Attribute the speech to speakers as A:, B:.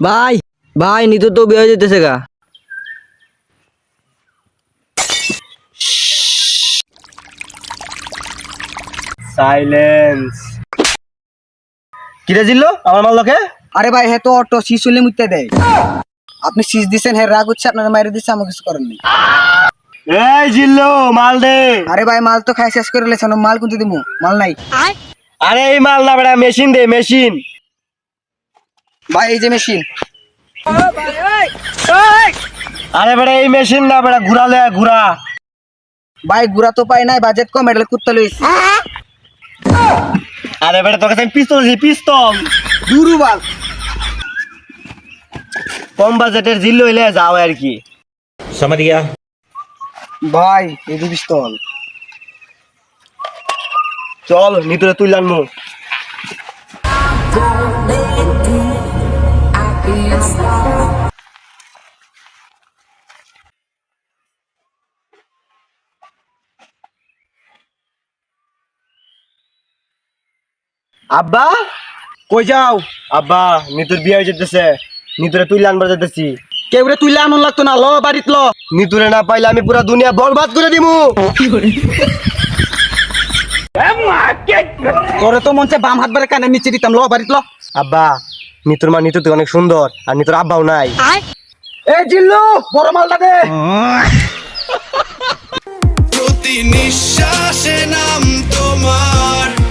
A: ভাই ভাই নিতু তো বিয়ে হয়ে যেতেছে গা।
B: সাইলেন্স। কিরে জিল্লো আমার মাল লোকে?
C: আরে ভাই হে তো অটো শীষ হলে মুইতে দেয়। আপনি শীষ দিচ্ছেন, হ্যাঁ রাগ হচ্ছে, আপনার মায়ের দিচ্ছে, আমার কিছু করেন নেই।
B: এই জিল্লো মাল দে।
C: আরে ভাই মাল তো খাই শেষ করে লেছেন, মাল কিন্তু দিমু, মাল নাই।
B: আরে এই মাল না বেটা, মেশিন দে মেশিন।
C: ভাই এই যে মেশিন।
B: আরে বেটা এই মেশিন না বেটা, ঘুরালে ঘুরা।
C: ভাই গুড়া তো পাই নাই, বাজেট কম, এটা কুত্তা লইছি।
B: আরে বেটা তোকে আমি পিস্তল দিছি, পিস্তল।
C: দুরু বাল।
B: কম বাজেটের জিল্লো হইলে যাও আর কি।
D: समझ गया।
C: ভাই এই যে পিস্তল।
B: চল নিতরে তুই লানমু। আব্বা
C: কই যাও?
B: আব্বা নিতুর বিয়ে হয়ে যেতেছে, নিতুরে তুই আনবার যেতেছি।
C: কেউ রে তুইলে আনন লাগতো না, ল বাড়িত ল।
B: নিতুরে না পাইলে আমি পুরা দুনিয়া বরবাদ করে দিমু।
C: তোরে তো মন চায় বাম হাত বারে কানে নিচে দিতাম, ল বাড়িত ল।
B: আব্বা নিতুর মা নিতু তো অনেক সুন্দর, আর নিতুর আব্বাও নাই।
C: এই জিল্লু বড় মালটা দে।
E: প্রতি নিঃশ্বাসে নাম তোমার।